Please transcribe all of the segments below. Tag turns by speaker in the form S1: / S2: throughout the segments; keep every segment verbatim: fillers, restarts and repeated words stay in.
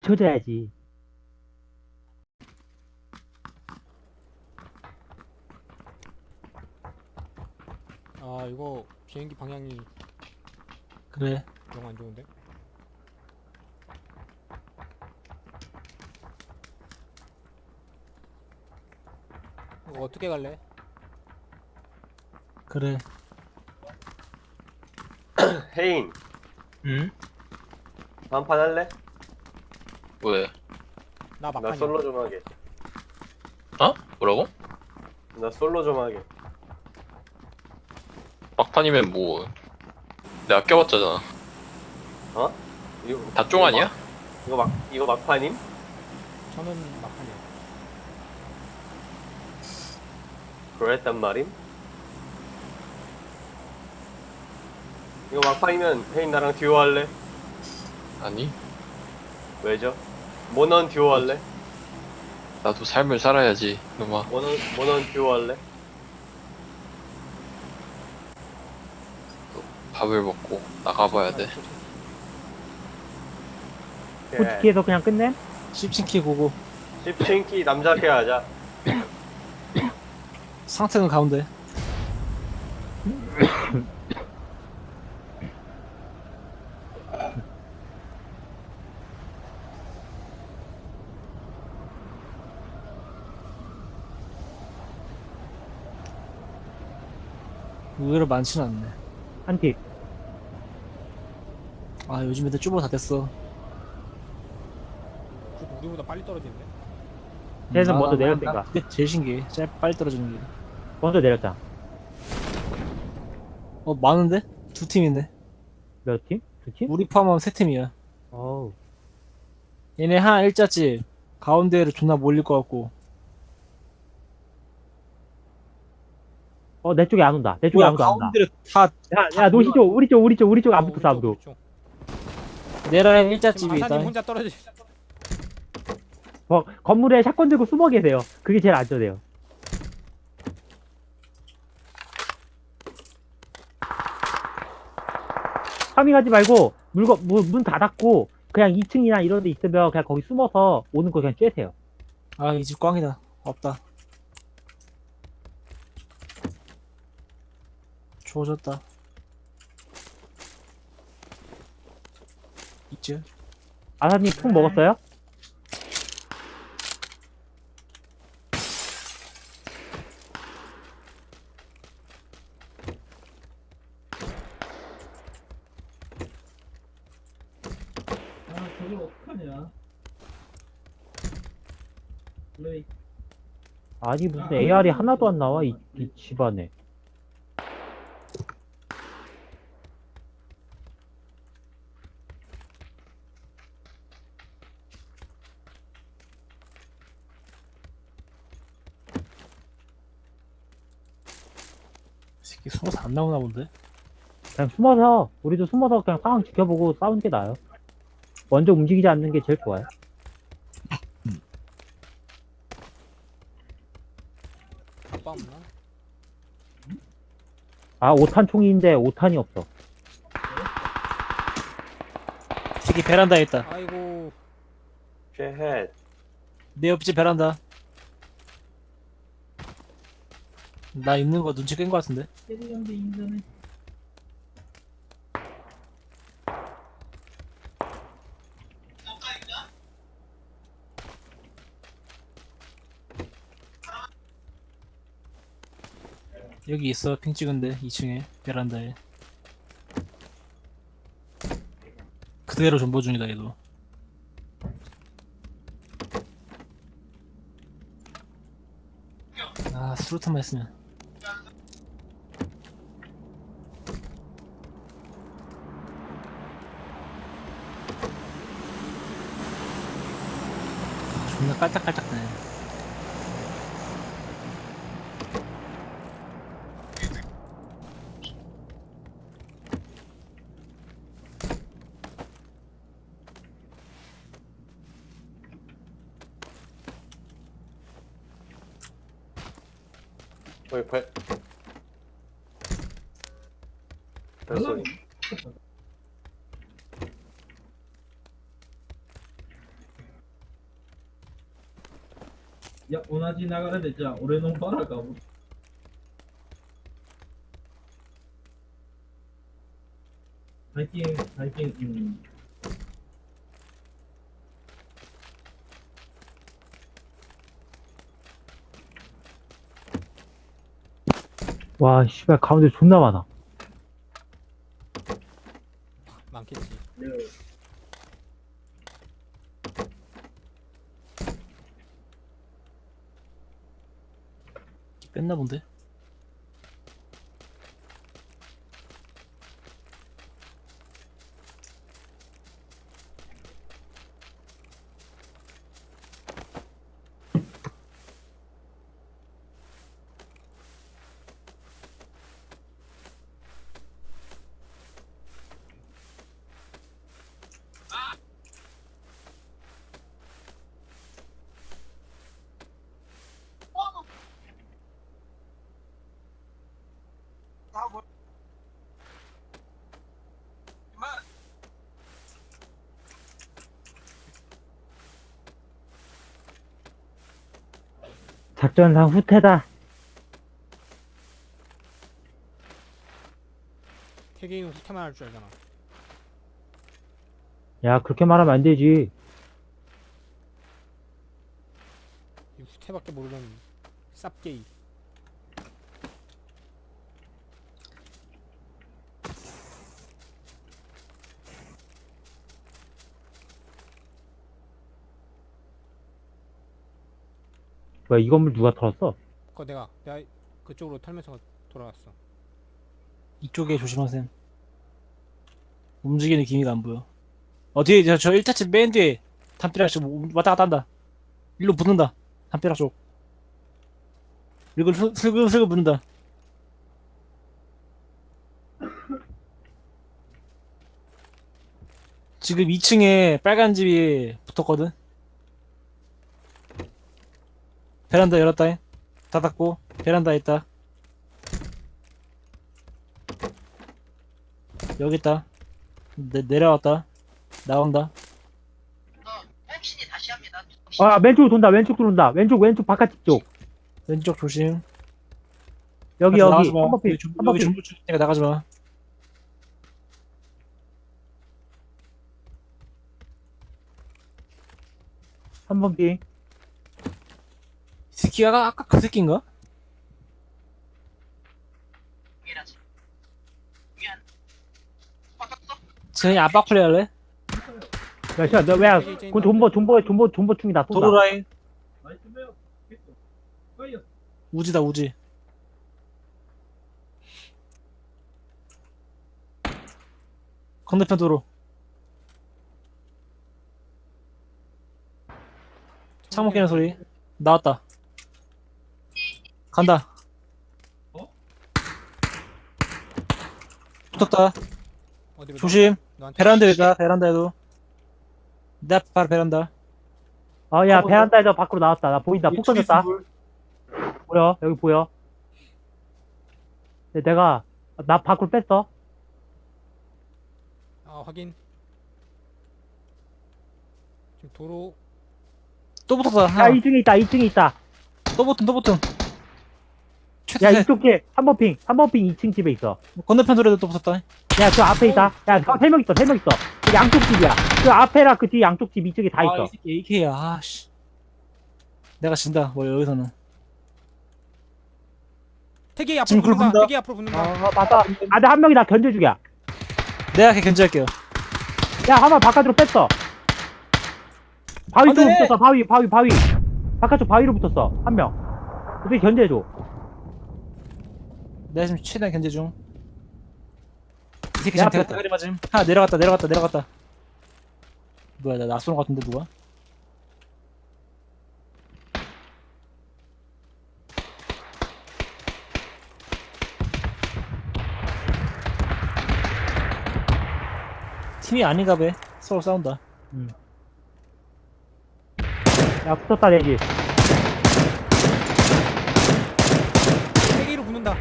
S1: 맞춰줘야지.
S2: 아 이거 비행기 방향이
S3: 그래.
S2: 영 안 좋은데? 이거 어떻게 갈래?
S3: 그래.
S4: 혜인,
S5: 응?
S4: 한판 할래?
S5: 왜?
S2: 나
S4: 나
S2: 막판이야.
S4: 솔로 좀 하게.
S5: 어? 뭐라고?
S4: 나 솔로 좀 하게.
S5: 막판이면 뭐 내가 껴봤자잖아.
S4: 어? 이거
S5: 다쫑 아니야?
S4: 이거 막 이거 막판임?
S2: 저는 막판이야.
S4: 그랬단 말임? 이거 막판이면 혜인 나랑 듀오 할래?
S5: 아니,
S4: 왜죠? 모넌 듀오 할래?
S5: 나도 삶을 살아야지, 놈아.
S4: 모넌 모넌 듀오 할래?
S5: 밥을 먹고 나가봐야 돼.
S1: 포치키에서 그냥 끝내?
S3: 씹친키 고고.
S4: 십친키 남자게 하자.
S3: 상태는 가운데. 의외로 많지는 않네.
S1: 한 팁.
S3: 아 요즘 애들 쭈보 다 됐어.
S2: 그래도 우리보다 빨리 떨어지는데?
S1: 쟤는
S3: 아,
S1: 먼저
S3: 나-
S1: 내렸으니까.
S3: 나 그게 제일 신기해. 짧 빨리 떨어지는 게.
S1: 먼저 내렸잖아.
S3: 어 많은데? 두 팀인데.
S1: 몇 팀? 두 팀?
S3: 우리 포함하면 세 팀이야.
S1: 어우.
S3: 얘네 하나 일자집 가운데를 존나 몰릴 것 같고.
S1: 어, 내 쪽에 안 온다. 내 쪽에
S3: 뭐야
S1: 아무도 안 온다.
S3: 가운데를 다
S1: 야, 야, 노시 쪽, 우리 쪽, 우리 쪽, 우리 쪽 안
S2: 어,
S1: 붙었어,
S2: 우리 쪽,
S1: 아무도.
S2: 우리 쪽.
S3: 내라인
S2: 지금
S3: 일자집이 있다.
S2: 아사님 혼자 떨어지.
S1: 어, 건물에 샷건 들고 숨어 계세요. 그게 제일 안전해요. 파밍하지 말고, 물건, 문, 문 닫았고, 그냥 이 층이나 이런 데 있으면 그냥 거기 숨어서 오는 거 그냥 쬐세요.
S3: 아 이 집 꽝이다. 없다. 좋아졌다. 있지?
S1: 아사님 푹 먹었어요?
S3: 아 저걸 어떡하냐. 플레이.
S1: 아니, 무슨 에이알이 하나도 안 나와, 이, 이 집안에.
S3: 새끼 숨어서 안 나오나 본데?
S1: 그냥 숨어서, 우리도 숨어서 그냥 상황 지켜보고 싸우는 게 나아요. 먼저 움직이지 않는 게 제일 좋아요.
S2: 아빠 없나?
S1: 아, 오 탄 총인데 오 탄이 없어.
S3: 새끼 베란다에 있다.
S2: 아이고
S4: 쉐헷.
S3: 내 옆집 베란다. 나 있는 거 눈치 깬 거 같은데? 여기 있어 핑 찍은데 이 층에 베란다에 그대로 존버 중이다 얘도. 아 수류탄만 했으면. 존나 깔딱깔딱네.
S4: 거기 발. 발소리.
S6: いや、同じ流れで、じゃあ、俺のバラが、最近、最近、うん。
S1: 와, 씨발, 가운데 존나 많아.
S2: 많겠지.
S3: 뺐나 본데?
S1: 작전상 후퇴다.
S2: 태계인은 후퇴만 할 줄 알잖아.
S1: 야, 그렇게 말하면 안 되지.
S2: 이 후퇴밖에 모르는 쌉게이.
S1: 뭐야, 이 건물 누가 털었어?
S2: 그거 내가 내가 그쪽으로 털면서 돌아왔어.
S3: 이쪽에 조심하셈. 움직이는 기미가 안 보여. 어, 뒤에, 저, 저 일 차집 맨 뒤에 담벼락 쪽 왔다 갔다 한다. 일로 붙는다. 담벼락 쪽. 이걸 슬- 슬금슬금 붙는다. 지금 이 층에 빨간 집이 붙었거든. 베란다 열었다. 닫았고, 베란다에 있다. 여기 있다. 내, 내려왔다. 나온다.
S1: 아, 왼쪽으로 돈다, 왼쪽 들어온다. 왼쪽, 왼쪽 바깥집 쪽.
S3: 왼쪽 조심.
S1: 여기, 여기.
S3: 나가지 마.
S1: 한 번피,
S3: 여기 중-
S1: 한
S3: 여기
S1: 번피.
S3: 중부 쪽이니까 나가지 마.
S1: 한 번피.
S3: 이 새끼가 아까 그 새끼인가? 쟤 압박 플레이 할래?
S1: 야, 씨발, 너 왜, 그 존버, 존버, 존버, 존버충이다, 쏜다.
S3: 도로 라인
S6: ナイスメア、結構。はいよ。
S3: 우지다 우지. 건너편 도로. 창문 깨는 소리. 나왔다. 간다.
S6: 어?
S3: 붙었다.
S2: 어디로?
S3: 조심.
S2: 너한테
S3: 베란다에다 베란다에도. 내 앞 바로 베란다.
S1: 어, 야,
S3: 하고
S1: 베란다에서 밖으로 나왔다. 나 보인다. 폭 던졌다. 보여? 여기 보여? 근데 내가, 나 밖으로 뺐어.
S2: 아 확인. 지금 도로
S3: 또 붙었다.
S1: 야,
S3: 하나.
S1: 이 층에 있다, 이 층에 있다.
S3: 또 붙음 또 붙음.
S1: 야,
S3: 최대.
S1: 이쪽 집, 한 번 핑, 한 번 핑 이 층 집에 있어.
S3: 건너편 도로에도 또 붙었다.
S1: 야, 저 앞에 있다. 야, 세 명 있어, 세 명 있어. 그 양쪽 집이야. 그 앞에랑 그 뒤 양쪽 집 이쪽에 다
S3: 아,
S1: 있어.
S3: 이 새끼 에이케이야. 아씨. 내가 진다. 뭐 여기서는.
S2: 태계
S3: 지금
S2: 앞으로
S3: 그걸
S2: 붙는다.
S3: 본다.
S2: 태계 앞으로 붙는다.
S1: 어, 맞다. 아, 근데 한 명이 나 견제주기야.
S3: 내가 걔 견제할게요.
S1: 야, 한 명 바깥으로 뺐어. 바위
S3: 안 돼!
S1: 쪽으로 붙었어, 바위, 바위, 바위. 바깥쪽 바위로 붙었어, 한 명. 어떻게 견제해줘.
S3: 내가 지금 최대한 견제 중. 이 새끼
S1: 내
S3: 지금
S1: 앞에
S3: 대가
S1: 있다.
S3: 대가리 맞음. 하나 내려갔다 내려갔다 내려갔다. 뭐야 나 낯선 것 같은데 누가? 팀이 아닌가 봐. 서로 싸운다.
S1: 야, 붙었다, 내지.
S2: 태계로 붙는다.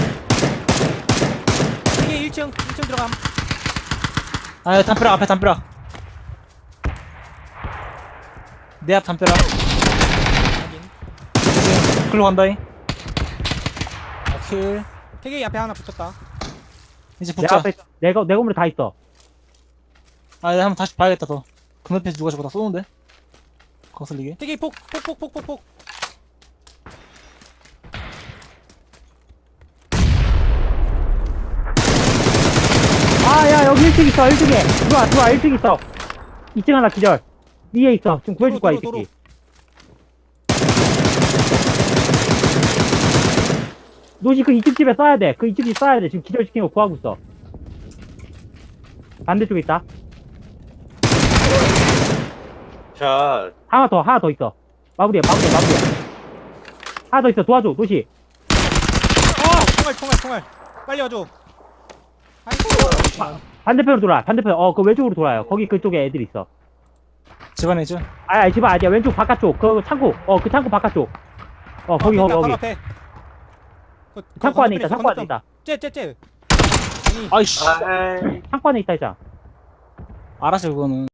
S2: 태계 일 층 일 층 들어감.
S3: 아 담벼락 앞에 담벼락. 내 앞 담벼락.
S2: 확인.
S3: 글로 간다잉. 아, 킬.
S2: 태기 앞에 하나 붙었다.
S3: 이제
S1: 내
S3: 붙자.
S1: 앞에 있어. 내, 거- 내 건물에 다 있어.
S3: 아, 내가 한번 다시 봐야겠다, 더. 건너편에서 누가 저거 다 쏘는데? 거슬리게.
S2: 태기 폭, 폭, 폭, 폭, 폭, 폭.
S1: 아, 야, 여기 일 층 있어, 일 층에. 들어와, 들어와, 일 층 있어. 이 층 하나 기절. 위에 있어. 지금 구해줄 거야, 이
S2: 도로, 도로,
S1: 새끼. 노시 그 이 층 집에 쏴야 돼. 그 이 층 집 쏴야 돼. 지금 기절시킨 거 구하고 있어. 반대쪽에 있다.
S4: 자,
S1: 하나 더, 하나 더 있어. 마무리해, 마무리해, 마무리해. 하나 더 있어. 도와줘, 노시.
S2: 아, 총알, 총알, 총알. 빨리 와줘. 아이고.
S1: 반대편으로 돌아. 반대편. 어, 그 왼쪽으로 돌아요. 거기 그쪽에 애들 있어.
S3: 집안에 있죠?
S1: 아, 아, 집안 아니야. 왼쪽 바깥쪽. 그 창고. 어, 그 창고 바깥쪽. 어, 거기, 거기,
S2: 바로
S1: 거기.
S2: 앞에. 그, 그
S1: 창고 안에 있다.
S2: 건너편에
S1: 창고 안에
S2: 건너편.
S1: 있다.
S2: 쟤, 쟤, 쟤. 아니,
S3: 아이씨.
S4: 아이.
S1: 창고 안에 있다, 이자.
S3: 알았어, 그거는.